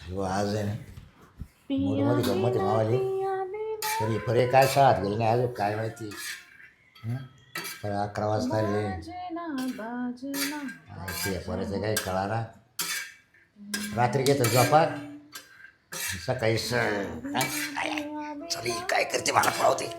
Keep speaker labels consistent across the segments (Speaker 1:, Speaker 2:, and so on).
Speaker 1: हो आज आहे ना मूडमध्ये गंमत आहे मावाली तरी फरे काय शाळेत गेले नाही अजून काय माहिती पण 11 वाजता आले ते पोराचं काही कळा ना रात्री घेतो झोपात सकाळी चल काय करते मला पळवते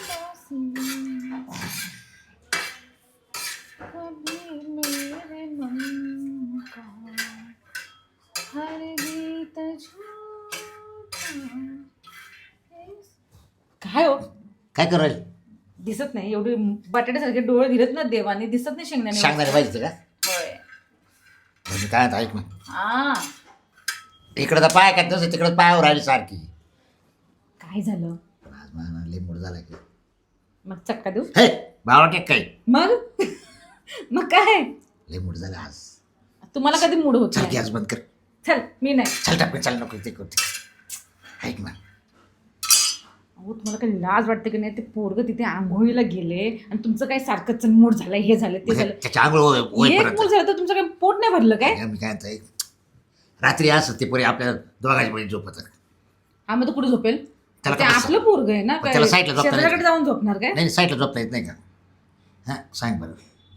Speaker 2: काय हो
Speaker 1: काय करायला
Speaker 2: दिसत नाही एवढे बटाट्यासारखे डोळे दिलेत ना देवाने दिसत नाही शेंगदाणे
Speaker 1: सांगणारे पाहिजे का
Speaker 2: होय
Speaker 1: म्हणजे काय आता ऐक ना
Speaker 2: हा
Speaker 1: इकडं तर पाय काय तसं तिकडं पायावर राहिली सारखी
Speaker 2: काय झालं
Speaker 1: आज मला लई मूड झाला की
Speaker 2: मग चक्का देऊ
Speaker 1: हे भावा टेक काय
Speaker 2: मग मग काय
Speaker 1: लई मूड झाला आज
Speaker 2: तुम्हाला कधी मूड होत
Speaker 1: चल
Speaker 2: नाही?
Speaker 1: गॅस बंद कर
Speaker 2: चल मी नाही
Speaker 1: चल टाकून चल नको ते करते ऐक ना
Speaker 2: अहो तुम्हाला काही लाज वाटते की नाही ते पोरग तिथे आंघोळीला गेले आणि तुमचं काय सारखंच मूड झालंय हे झालं ते झालं
Speaker 1: त्याच्या आंघोळ
Speaker 2: एक
Speaker 1: होईपर्यंत
Speaker 2: मूड झालं तर तुमचं काय पोट नाही भरलं काय
Speaker 1: मी काय म्हणतो ऐक. रात्री असं ते पोरी आपल्या दोघांच्या बळी झोपत
Speaker 2: हा मग तो कुठे झोपेल
Speaker 1: त्याला
Speaker 2: ते
Speaker 1: काय
Speaker 2: आपलं पोरग आहे ना
Speaker 1: पण त्याला साईडला झोपता नाही.
Speaker 2: शेजाऱ्याकडे जाऊन झोपणार काय
Speaker 1: नाही साईडला झोपता येत नाही का हां सांग बरं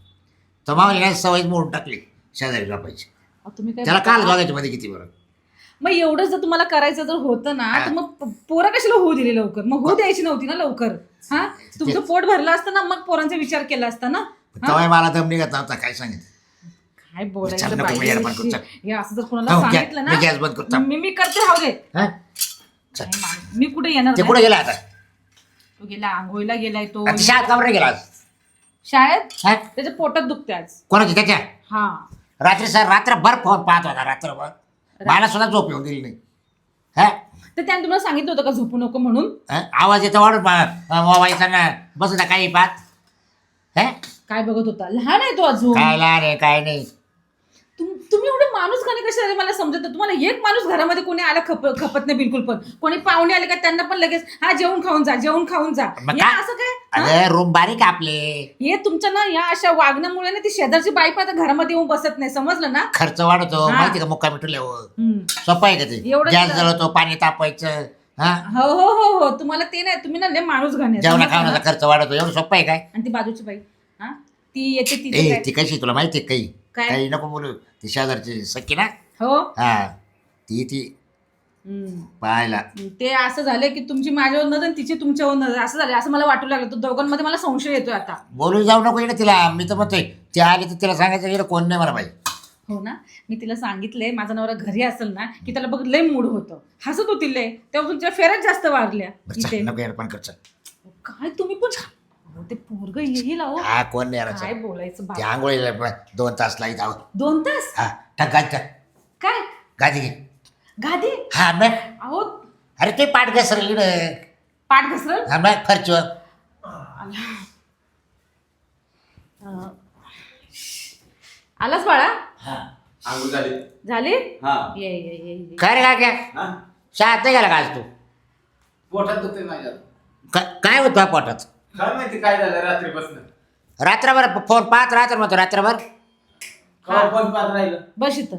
Speaker 1: तर मामाला काय सवय मोडून टाकली शेजारी झोपायची
Speaker 2: अहो, तुम्ही काय
Speaker 1: त्याला काल दोघांच्या मध्ये किती बरं
Speaker 2: मग एवढं जर तुम्हाला करायचं जर होतं ना तर मग पोरं कशाला होऊ दिली लवकर मग होऊ द्यायची नव्हती ना लवकर हा तुमचं पोट भरलं असतं ना मग पोरांचा विचार केला असता ना
Speaker 1: तेव्हा मला दम निघत नव्हता काय सांगितलं
Speaker 2: काय
Speaker 1: चल
Speaker 2: बोलायचं
Speaker 1: नको, मी येडपाट करतो, चल.
Speaker 2: बाई हे असं जर कोणाला
Speaker 1: हो,
Speaker 2: सांगितलं
Speaker 1: मी गॅस बंद करतो.
Speaker 2: ना मी करते राहू दे
Speaker 1: हां चल.
Speaker 2: नाही माणूस. मी कुठे येणार
Speaker 1: ते
Speaker 2: नाही.
Speaker 1: कुठे गेला आता
Speaker 2: तो गेला आंघोळीला गेलाय तो
Speaker 1: आता शाळेत कावर नाही गेला आज
Speaker 2: शाळेत
Speaker 1: हां
Speaker 2: त्याच्या पोटात दुखते आज
Speaker 1: कोणाची त्याच्या
Speaker 2: हा
Speaker 1: रात्री सर रात्रभर फोन पाहत होता रात्रभर मला सुद्धा झोप येऊन दिली नाही हा
Speaker 2: तर त्याने तुम्हाला सांगितलं होतं का झोपू नको म्हणून
Speaker 1: आवाज येतो वाढून मोबाईलचा ना बस ना काही पाहत हा
Speaker 2: काय बघत होता लहान आहे तो अजून
Speaker 1: काय लहान आहे काय नाही
Speaker 2: तुम्ही एवढे माणूस खाणे कशा रे मला समजत नाही. तुम्हाला एक माणूस घरामध्ये कोणी आला खपत नाही बिलकुल पण कोणी पाहुणे आले का त्यांना पण लगेच हा जेवण खाऊन जा जेवण खाऊन जा
Speaker 1: मग
Speaker 2: या
Speaker 1: काय?
Speaker 2: असं काय हा?
Speaker 1: अरे रूम बारीक आहे आपले
Speaker 2: हे तुमच्या ना या अशा वागण्यामुळे ना ती शेजारची बाई पण आता घरामध्ये येऊन बसत नाही समजलं ना
Speaker 1: खर्च वाढतो
Speaker 2: हा.
Speaker 1: माहिती का मुक्का मिठवल्यावर
Speaker 2: हम्म.
Speaker 1: सोपं आहे का ते
Speaker 2: एवढं
Speaker 1: गॅस
Speaker 2: तर-
Speaker 1: जळवतो पाणी तापायचं हा
Speaker 2: हो हो हो हो तुम्हाला ते नाही तुम्ही ना लय माणूस घाणे
Speaker 1: जेवणा
Speaker 2: समजलं ना?
Speaker 1: खावण्याचा खर्च वाढवतो एवढं सोपं आहे काय
Speaker 2: आणि ती बाजूची बाई हा ती येते तिथे
Speaker 1: ए
Speaker 2: काय?
Speaker 1: ती कशी तुला माहिती आहे काही
Speaker 2: काय?
Speaker 1: काही नको बोलू ती शेजारची सख्खी ना
Speaker 2: हो
Speaker 1: हा ती
Speaker 2: हम्म.
Speaker 1: पाहायला
Speaker 2: ते असं झालं की तुमची माझ्यावर नजर आणि तिची तुमच्यावर नजर असं झालं असं मला वाटू लागलं तर दोघांमध्ये मला संशय येतोय आता
Speaker 1: बोलून जाऊ नको इकडे तिला मी तर म्हणतोय ती आली तर तिला सांगायचं इकडे कोण नाही मला पाहिजे
Speaker 2: हो ना मी तिला सांगितलंय माझा नवरा घरी असेल ना की त्याला बघ लय मूड होतं हसत होती लय तेव्हा तुमच्या फेऱ्याच जास्त वाढल्या
Speaker 1: बरं
Speaker 2: इथे
Speaker 1: चल, नको येडपण कर चल.
Speaker 2: काय तुम्ही पण अहो, ते पोरग येईल अहो
Speaker 1: हा कोण नाही येणार
Speaker 2: काय
Speaker 1: चल.
Speaker 2: बोलायचं
Speaker 1: ते
Speaker 2: बाबा
Speaker 1: आंघोळीला 2 तास लाईत आहोत
Speaker 2: 2 तास
Speaker 1: हा टाक गादी टाक
Speaker 2: काय
Speaker 1: गादी घे
Speaker 2: गादी
Speaker 1: हा मग
Speaker 2: अहो
Speaker 1: अरे ते पाठ घसरली ना
Speaker 2: पाठ घसरल
Speaker 1: हा मग खर्च
Speaker 2: आलास बाळा
Speaker 3: हा आंघोळ झाली
Speaker 2: झाली
Speaker 3: हा
Speaker 2: ये ये ये ये.
Speaker 1: काय रे काय काय
Speaker 3: हा
Speaker 1: शाळेत नाही गेला का आज तू
Speaker 3: पोटात दुखते माझ्या
Speaker 1: काय होतं तुझ्या पोटात
Speaker 3: काय माहिती काय झालं रात्रीपासून
Speaker 1: रात्रभर फोन पाहत राहत म्हणतो रात्रभर
Speaker 3: कवा पण पाहत राहिलं
Speaker 2: बस इथं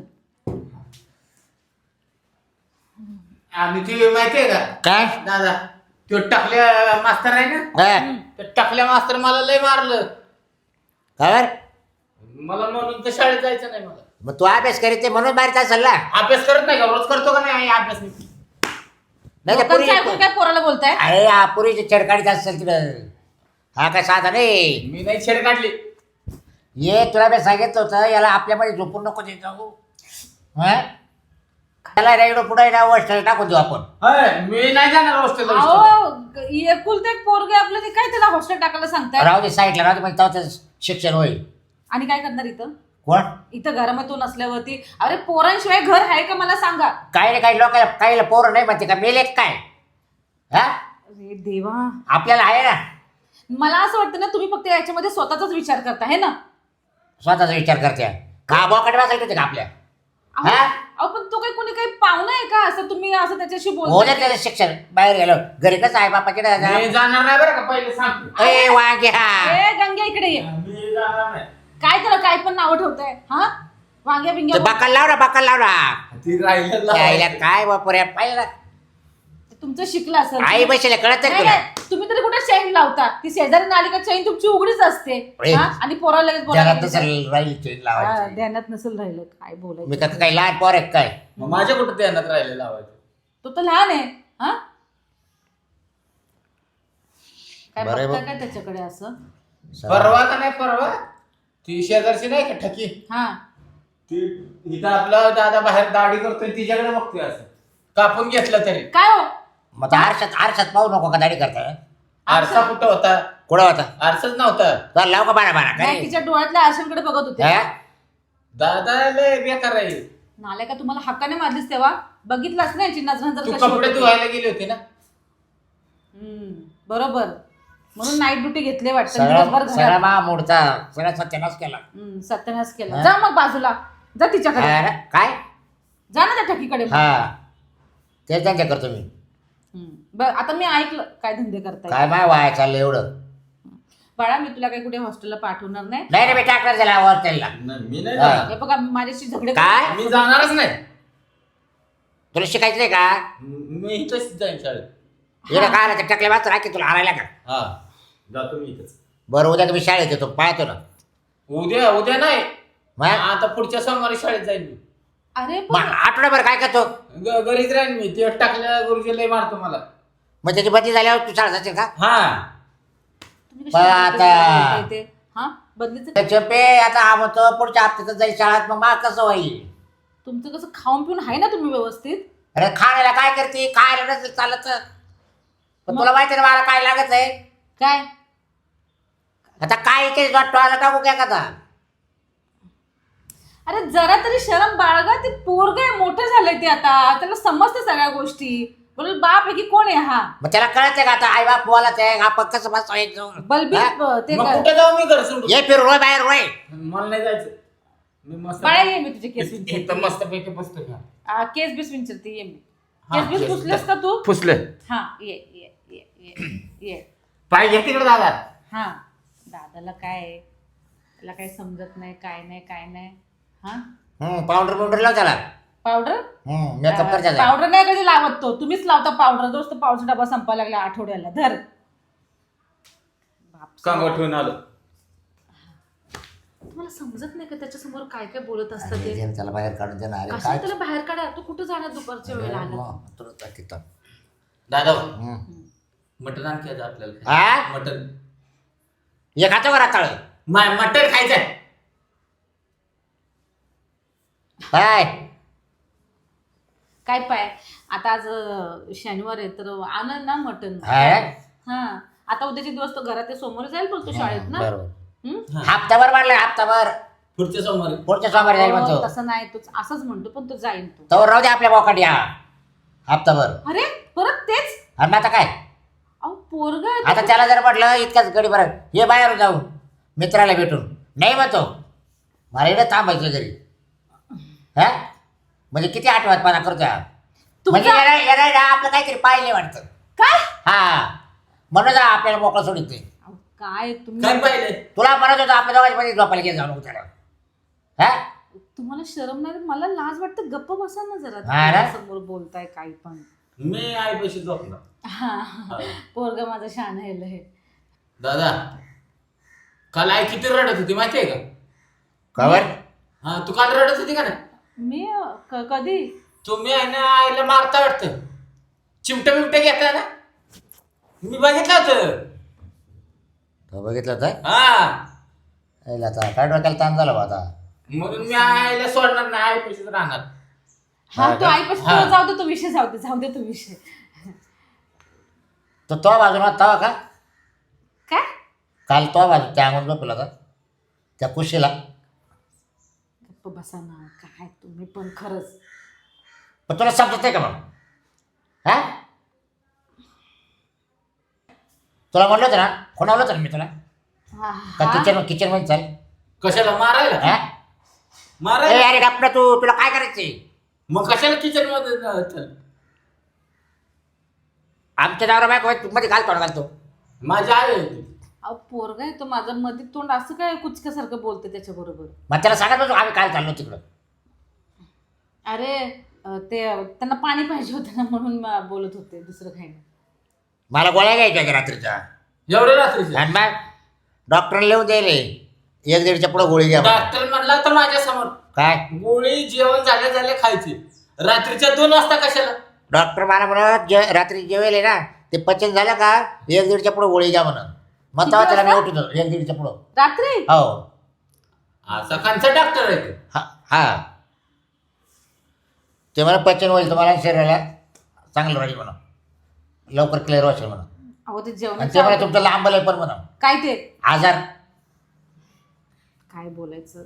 Speaker 3: आणि ती माहितीये का
Speaker 1: काय
Speaker 3: दादा तो टाकल्या मास्तर आहे ना
Speaker 1: हा.
Speaker 3: तर टाकल्या मास्तर मला लय मारलं
Speaker 1: काय बरं?
Speaker 3: मला म्हणून तर शाळेत जायचं नाही मला
Speaker 1: मग तू अभ्यास करीत नाही म्हणून बाहेर असेल ना
Speaker 3: अभ्यास करत नाही का रोज करतो का नाही अभ्यास मी
Speaker 1: नाही तर
Speaker 2: लोकांचं ऐकून
Speaker 1: पुरी
Speaker 2: काय पोराला बोलताय
Speaker 1: अरे हा पुरीची छेडकाडीत असेल तिकडं हा काय साधा नाही
Speaker 3: मी नाही छेड काढली
Speaker 1: ये तुला मी सांगितलं होतं याला आपल्यामध्ये झोपून नको देत जाऊ हा त्याला रेगडो पुढे ना वस्टाला टाकून देऊ आपण
Speaker 3: होय, मी नाही जाणार हॉस्टेलला
Speaker 2: अहो एकुलते एक पोरगे आपलं ते काय त्याला हॉस्टेल टाकायला सांगताय
Speaker 1: राहू दे साईडला राहू दे म्हणजे तेव्हा त्याचं शिक्षण होईल
Speaker 2: आणि काय करणार इथं
Speaker 1: कोण
Speaker 2: इथं घरामध्ये तू नसल्यावरती अरे पोरांशिवाय घर आहे का मला सांगा
Speaker 1: काही नाही काही लोकांना काही पोरं नाही म्हणते का मेले काय हा
Speaker 2: अरे देवा
Speaker 1: आपल्याला आहे ना
Speaker 2: मला असं वाटतं ना तुम्ही फक्त याच्यामध्ये स्वतःचाच विचार करता है ना
Speaker 1: स्वतःचा विचार करते का बोकडे बसायचे होते का आपल्या
Speaker 2: अहो
Speaker 1: हा?
Speaker 2: अहो, पण तो काही कोणी काही पाहुणा आहे का असं तुम्ही असं त्याच्याशी
Speaker 1: हो
Speaker 2: बोलता
Speaker 1: दे त्याचं शिक्षण बाहेर गेलो घरी कसं आहे बापाचे
Speaker 3: मी जाणार नाही बरं का पहिले सांगतो
Speaker 1: ए वांगे हा
Speaker 2: ए गंग्या इकडे ये
Speaker 3: मी जाणार नाही
Speaker 2: काय त्याला काय पण नावं ठेवताय हा वांग्या
Speaker 1: ते
Speaker 2: बिंग्या
Speaker 1: बकाल लाव ना बकाल लाव ना
Speaker 3: ती राहिलं
Speaker 1: यायला काय बापुऱ्या पाहिलं
Speaker 2: तुमचं शिकलं असेल
Speaker 1: आई बसले कळत
Speaker 2: नाही,
Speaker 1: तुला
Speaker 2: नाही, तुम्ही तरी कुठे चैन लावता ती शेजारी आली का चैन तुमची उघडीच असते
Speaker 1: ए,
Speaker 2: हा? आणि पोरा लगेच
Speaker 1: ध्यानात
Speaker 2: बोलायला
Speaker 1: नसेल राहील चेन
Speaker 2: हा,
Speaker 1: लावायची
Speaker 2: ध्यानात नसेल राहिलं काय
Speaker 1: मी
Speaker 2: बोलायचं
Speaker 1: का काही लहान पोर आहे काय
Speaker 3: मग माझ्या कुठं ध्यानात राहिलं लावायचं
Speaker 2: तो तर लहान आहे हा काय
Speaker 1: बरं आहे
Speaker 2: बघता
Speaker 1: बघ.
Speaker 2: काय त्याच्याकडे असं
Speaker 3: परवा का नाही परवा ती शेजारची नाही का ठकी
Speaker 2: हा
Speaker 3: ती इथं आपला दादा बाहेर दाढी करतोय तिच्याकडे बघतोय असं कापून घेतलं तरी
Speaker 2: काय हो
Speaker 1: मग आता आरशात पाहू नको का दाढी करता
Speaker 3: आरसा कुठं होता
Speaker 1: कुठं होता
Speaker 3: आरसाच नव्हता
Speaker 1: तर लाव का बारा बारा
Speaker 2: नाही
Speaker 1: काय
Speaker 2: तिच्या डोळ्यातल्या आरशांकडे बघत होते
Speaker 1: हा?
Speaker 3: दादा लय बेकार आहे
Speaker 2: नाल्या का तुम्हाला हक्काने मारलीस तेव्हा बघितलंच नाही याची नजर नजर
Speaker 3: तू
Speaker 2: कशी
Speaker 3: कपडे
Speaker 2: होती.
Speaker 3: धुवायला गेली होती ना
Speaker 2: बरोबर म्हणून नाईट ड्युटी घेतले वाटतं
Speaker 1: सगळा
Speaker 2: दिवसभर
Speaker 1: सगळा
Speaker 2: घरात.
Speaker 1: मा मोडचा सगळा सत्यानाश केला
Speaker 2: सत्यानाश केला
Speaker 1: हा?
Speaker 2: जा मग बाजूला जा तिच्याकडे
Speaker 1: अरे, काय
Speaker 2: जा ना त्या ठकीकडे मग.
Speaker 1: हा ते त्यांच्या करतो मी
Speaker 2: बरं आता मी ऐकलं काय धंदे करताय
Speaker 1: काय माय वाया चाललं एवढं
Speaker 2: बाळा मी तुला काही कुठे हॉस्टेलला पाठवणार नाही
Speaker 1: नाही रे मी टाकणार त्याला वर त्याला
Speaker 3: मी नाही
Speaker 1: हा.
Speaker 3: जाणार.
Speaker 2: हे बघा माझ्याशी झगडे
Speaker 1: काय?
Speaker 3: मी जाणारच नाही
Speaker 1: तुला शिकायचं नाही का
Speaker 3: मी इथंच जाईन शाळेत
Speaker 1: इकडे काय आलं टाकले वाच राखी तुला हारायला का
Speaker 3: हा जातो मी इथंच
Speaker 1: बरं उद्या तुम्ही शाळेत येतो पाहतो ना
Speaker 3: उद्या नाही
Speaker 1: मग
Speaker 3: आता पुढच्या सोमवारी शाळेत जाईन मी
Speaker 2: अरे
Speaker 1: मग आठवड्याभर काय करतो
Speaker 3: घरीच राहीन मी ते टाकल्या गुरुजी लय मारतो मला
Speaker 1: मग त्याची बदली झाल्यावर तू शाळा जाशील का
Speaker 3: हा
Speaker 2: तुम्ही
Speaker 1: पण आता-
Speaker 2: ते हा बदलीचं
Speaker 1: त्याचे पे आता हा म्हणतो पुढच्या हप्त्यात जाईल शाळेत मग मला कसं होईल
Speaker 2: तुमचं कसं खाऊन पिऊन आहे ना तुम्ही व्यवस्थित
Speaker 1: अरे खाण्याला काय करते खायला नसेल चालत पण तुला माहिती ना मला काय लागत आहे
Speaker 2: काय
Speaker 1: आता काय इथे वाटतो आला टाकू काय का आता
Speaker 2: अरे जरा तरी शरम बाळगा ते पोरग आहे मोठं झालंय ते आता त्याला समजते सगळ्या गोष्टी बोल बाप आहे की कोण आहे हा
Speaker 1: मग त्याला कळत का आता आई बाप बोलायचं आहे आपण कसं बसवायचं
Speaker 2: बलबीत ते
Speaker 3: मग
Speaker 2: कर.
Speaker 3: कुठे जाऊ मी घर सोडून
Speaker 1: ये फिर रोय बाहेर रोय
Speaker 3: मला नाही जायचं मी मस्त
Speaker 2: बाळा ये मी तुझे केस
Speaker 3: इथं मस्त पैकी बसतो का
Speaker 2: केस बीस विचारते ये मी
Speaker 3: हा,
Speaker 2: केस बीस
Speaker 3: केस-
Speaker 2: पुसलेस का तू
Speaker 3: फुसले
Speaker 2: हा ये ये ये ये ये
Speaker 3: पाय घे तिकडे दादा
Speaker 2: हा दादाला काय आहे? त्याला काही समजत नाही काय नाही हा
Speaker 1: पावडर पावडर लाव त्याला
Speaker 2: पावडर
Speaker 1: मेकअप कर त्याचा
Speaker 2: पावडर नाही कधी लावत तो तुम्हीच लावता पावडर दोस्त पावडर डबा संपायला लागला आठवड्याला धर बाप
Speaker 3: कांगो ठेवून आलो
Speaker 2: तुम्हाला समजत नाही का त्याच्यासमोर काय काय बोलत असतं ते
Speaker 1: अरे, त्याला बाहेर काढून देणार अरे
Speaker 2: कशा
Speaker 1: काय
Speaker 2: त्याला बाहेर काढा तू कुठं जाणार दुपारच्या वेळेला आला
Speaker 1: मग, तुला तर तिथं.
Speaker 3: दादा
Speaker 1: हम्म.
Speaker 3: मटण आणखी आज आपल्याला
Speaker 1: हा?
Speaker 3: मटण
Speaker 1: हे खातो का राताळ
Speaker 3: मटण खायचंय
Speaker 1: काय
Speaker 2: काय पाय आता आज शनिवार आहे तर आणल ना मटन
Speaker 1: हा?
Speaker 2: हा आता उद्याचे दिवस तो घरात आहे, सोमवारी जाईल बोलतो शाळेत ना
Speaker 1: बरोबर
Speaker 2: हम्म?
Speaker 1: हप्ताभर मारला हप्ताभर
Speaker 3: पुढच्या सोमवारी
Speaker 1: पुढच्या सोमवारी जाईल
Speaker 2: हो,
Speaker 1: म्हणतो
Speaker 2: तसं नाही तू असंच म्हणतो पण तो जाईल तो
Speaker 1: तवर राहू दे आपल्या बोकाटी हा हप्ताभर
Speaker 2: अरे परत तेच
Speaker 1: आणि मग आता काय
Speaker 2: अहो पोरगा
Speaker 1: आता त्याला जर म्हटलं इतकाच गडी बरं ये बाहेर जाऊ मित्राला भेटून नाही म्हणतो मला इकडे थांबायचं घरी हा म्हणजे किती आठवतपणा करतो हा? म्हणजे येणार आपलं काहीतरी पाहिले वाटतं
Speaker 2: काय
Speaker 1: हा म्हणून जा आपल्याला मोकळं सोडित नाही
Speaker 2: अहो, काय तुम्ही
Speaker 3: काय पाहिजे
Speaker 1: तुला म्हणत होतं आपल्या दोघांच्या मध्ये झोपायला घेऊन जाऊ नको त्याला हा
Speaker 2: तुम्हाला शरम नाही मला लाज वाटतं गप्प बसा ना जरा
Speaker 1: हा ना?
Speaker 2: समोर बोलताय काही पण
Speaker 3: मी आई पैसे झोपणार
Speaker 2: हा पोरगा माझं शान आहे
Speaker 3: दादा काल आई किती रडत होती माहितीये का
Speaker 1: कवर
Speaker 3: हा तू काल रडत होती का ना
Speaker 2: मी कधी
Speaker 3: तुम्ही आहे ना आईला मारता वाटतं चिमटं बिमटं घेता ना मी बघितलं होतं
Speaker 1: तो बघितलं तर
Speaker 3: हा
Speaker 1: आता काय डोक्याला ताण झाला बा आता
Speaker 3: म्हणून मी आईला सोडणार नाही आई पैसेच राहणार
Speaker 2: हा तो आईपाशी
Speaker 3: हा.
Speaker 2: जाऊ दे तो विषय जाऊ दे तो विषय
Speaker 1: तो बाजूला तवा का
Speaker 2: काय
Speaker 1: काल तो बाजू त्या अंगून झोपला का त्या कुशीला
Speaker 2: गप्प बसा ना काय तुम्ही पण खरंच
Speaker 1: पण तुला समजत नाही का मग हा तुला म्हणलं होतं ना कोणावलं होतं ना मी तुला
Speaker 2: हा,
Speaker 1: का
Speaker 2: हा.
Speaker 1: किचन मध्ये चाल
Speaker 3: कशाला मारायला
Speaker 1: हा?
Speaker 3: मारायला
Speaker 1: ए, अरे डॉक्टर तुला काय करायचंय
Speaker 3: मग कशाला किचन मध्ये चल
Speaker 1: आमच्या दारा बायको मध्ये घालतो
Speaker 3: माझी आई होती
Speaker 2: अहो पोरगा आहे तो माझं मध्ये तोंड असं काय कुचक्यासारखं बोलते त्याच्या बरोबर
Speaker 1: मग त्याला सांगत होतो आम्ही काय चाललो तिकडं
Speaker 2: अरे ते त्यांना पाणी पाहिजे होतं ना म्हणून बोलत होते, दुसरं काही नाही.
Speaker 1: मला गोळ्या घ्यायच्या होत्या रात्रीच्या.
Speaker 3: एवढे रात्रीचे
Speaker 1: आणि मग डॉक्टरला लिहून द्यायले 1-1.5च्या पुढं गोळी घ्या म्हणून.
Speaker 3: डॉक्टर म्हणला तर माझ्या समोर
Speaker 1: काय
Speaker 3: गोळी जेवण झाले खायची. रात्रीच्या 2 वाजता कशाला?
Speaker 1: डॉक्टर मला म्हणत रात्री जेवेल ना ते पचन झालं का 1-1.5च्या पुढं गोळी घ्या म्हणून. मग तेव्हा त्याला मी उठतो 1-1.5च्या पुढं.
Speaker 2: रात्री
Speaker 1: हो
Speaker 3: असा कांचा डॉक्टर आहे ते.
Speaker 1: हा ते मला पचन होईल तुम्हाला शरीराला चांगलं राहील म्हणा, लवकर क्लिअर व्हायचं म्हणा.
Speaker 2: अहो ते
Speaker 1: आणि
Speaker 2: जेवण
Speaker 1: ते मला तुमचं लांब आहे पण म्हणा
Speaker 2: काय ते
Speaker 1: आजार.
Speaker 2: काय बोलायचं.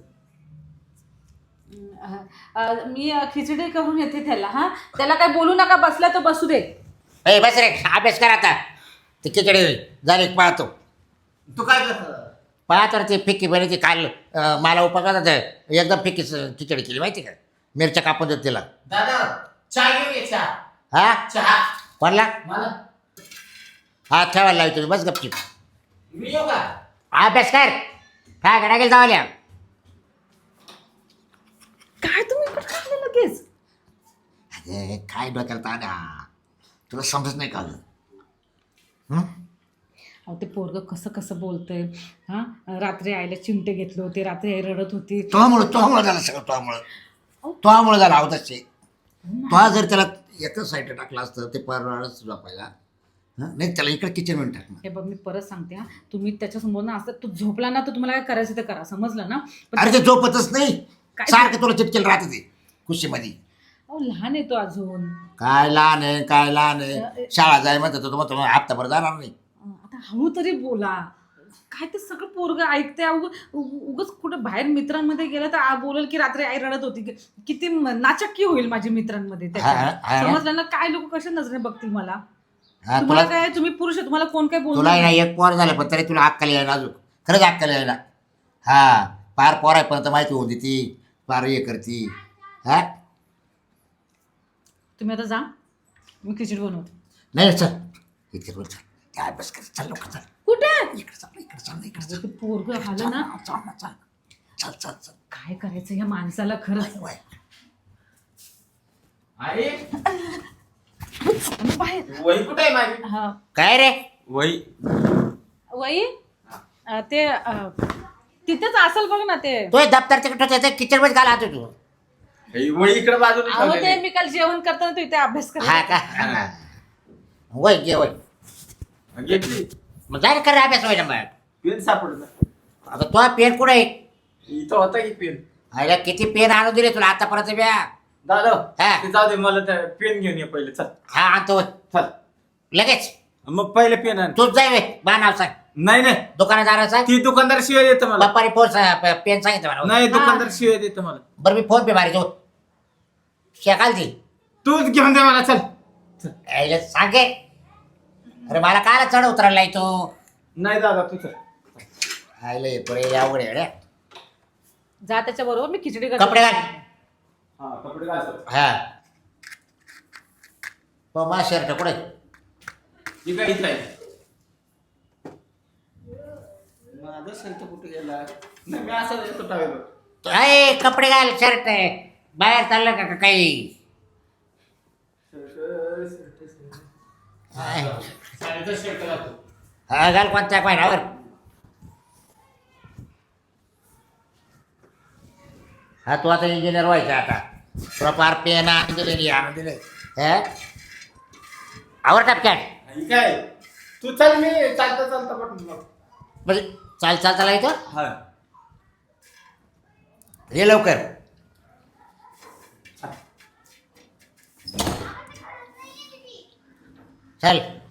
Speaker 2: मी खिचडी करून येते त्याला. हा त्याला काय बोलू नका, बसला तर बसू दे.
Speaker 1: ए बस रे अभ्यास कर आता. ते खिचडी झाली पाहतो.
Speaker 3: तू काय करतो?
Speaker 1: पाहतो रे ते फिक्की बनी ती काल मला उपवासात एकदम फिक्की खिचडी केली माहिती का, मिरच्या कापून देत तिला.
Speaker 3: दादा चहा घेऊन ये. चहा
Speaker 1: हा
Speaker 3: चहा
Speaker 1: कोणला
Speaker 3: मला.
Speaker 1: हा ठेवायला लावी तुम्ही बस गपची.
Speaker 3: मी येऊ का?
Speaker 1: अभ्यास कर. काय करा गेल जावाल्या.
Speaker 2: काय तुम्ही इकडे खाल्लं लगेच.
Speaker 1: अरे काय डोक्याला ताणा, तुला समजत नाही का गं?
Speaker 2: अहो ते पोरग कसं कसं बोलतंय. हा रात्री आईला चिमटे घेतले होते, रात्री आई रडत होती.
Speaker 1: तोमुळं झालं सगळं. तोमुळं झालं आवताचे. तो जर त्याला एकच साईड टाकलं असतं ते परवाडच झोपायला. नाही त्याला इकडे किचन मध्ये टाकणार.
Speaker 2: हे बघ मी परत सांगते हा, तुम्ही त्याच्यासमोर ना असं तू झोपला ना तर तुम्हाला काय करायचं ते करा, समजलं ना. पण
Speaker 1: अरे ते झोपतच नाही,
Speaker 2: काय?
Speaker 1: सारखं तुला चिटकेल राहत ते कुशीमध्ये.
Speaker 2: अहो लहान आहे तो अजून.
Speaker 1: काय लहान आहे शाळा जाय म्हणतात तो मग हप्ताभर जाणार नाही.
Speaker 2: आता हळू तरी बोला. काय ते सगळं पोरग ऐकते. उगच कुठं बाहेर मित्रांमध्ये गेलं तर बोलेल की रात्री आई रडत होती. किती नाचक्की होईल माझ्या मित्रांमध्ये त्याच्या. समजलं ना. काय लोक कशा नजरे बघतील मला.
Speaker 1: हा,
Speaker 2: तुम्हाला
Speaker 1: तुला
Speaker 2: काय, तुम्ही पुरुष आहे, तुम्हाला कोण काय
Speaker 1: तुला
Speaker 2: बोलणार
Speaker 1: नाही एक पोर झालं पण तरी तुला अक्कल यायला अजून खरंच अक्कल यायला. हा पार पोर आहे पण माहिती होऊन देती पार हे करती. हा
Speaker 2: तुम्ही आता जा, मी खिचडी बनवते.
Speaker 1: नाही चल इथे बोल चल काय अभ्यास कर चल लवकर चल.
Speaker 2: कुठे
Speaker 1: इकडे चल
Speaker 2: ते पोरग आलं ना.
Speaker 1: चल
Speaker 2: काय करायचं या माणसाला खरंच.
Speaker 3: अरे
Speaker 2: बाहेर.
Speaker 3: वही कुठे आहे माझी?
Speaker 2: हा
Speaker 1: काय रे
Speaker 3: वही
Speaker 2: वही ते तिथेच असेल बघ ना ते.
Speaker 1: तो दप्तर तिकडे किचन मध्ये घाला तू.
Speaker 3: वही इकडे बाजूला
Speaker 2: अहो
Speaker 3: ठेवलेली.
Speaker 2: ते मी काल जेवण करताना तू इथे अभ्यास
Speaker 1: हा
Speaker 2: कर.
Speaker 1: का वय घे वय
Speaker 3: घेतली.
Speaker 1: मग जाय कर अभ्यास व्हायला मग.
Speaker 3: पेन सापडला.
Speaker 1: आता तो पेन कुठे आहे.
Speaker 3: इथं होता की पेन.
Speaker 1: अरे किती पेन आणून दिले तुला आतापर्यंत ब्या.
Speaker 3: दादा
Speaker 1: हा.
Speaker 3: ते जाऊ दे, मला त्या पेन घेऊन ये पहिले. चल
Speaker 1: हा आणतो
Speaker 3: चल.
Speaker 1: लगेच.
Speaker 3: मग पहिले पेन आण.
Speaker 1: तूच जाय वे बा नाव सांग
Speaker 3: नाही नाही,
Speaker 1: दुकानदाराचा.
Speaker 3: ती दुकानदार शिवाय देतो मला.
Speaker 1: बाप्पाने फोन पेन सांगितलं मला.
Speaker 3: नाही, दुकानदार शिवाय देतो मला.
Speaker 1: बरं मी फोन पे मारायचो शेकाल ती
Speaker 3: तूच घेऊन दे मला. चल चल.
Speaker 1: सांगे. अरे मला काय चढ उतरायला तो.
Speaker 3: नाही दादा तू चल.
Speaker 1: आयले पुढे अवघड आहे रे.
Speaker 2: जा त्याच्या बरोबर, मी खिचडी करते.
Speaker 1: कपडे घाल.
Speaker 3: हा कपडे घाल.
Speaker 1: हा हो मा शर्ट कुठे.
Speaker 3: ही काय इथं आहे. माझा शर्ट कुठे गेला. नाही मी असं येतो टावेल.
Speaker 1: अय कपडे घाल शर्ट आहे बाहेर चाललं का काही.
Speaker 3: साडीचा शर्ट घालतो.
Speaker 1: हा घाल कोणत्या पाहिजे. हा तू आता इंजिनियर व्हायचा आता. तुला पार पेन आणून दिले आणून दिले. आवर टपक्यात
Speaker 3: ही काय तू चल, मी चालता चालता पण
Speaker 1: म्हणजे चालता येतो.
Speaker 3: हा
Speaker 1: ये लवकर. चल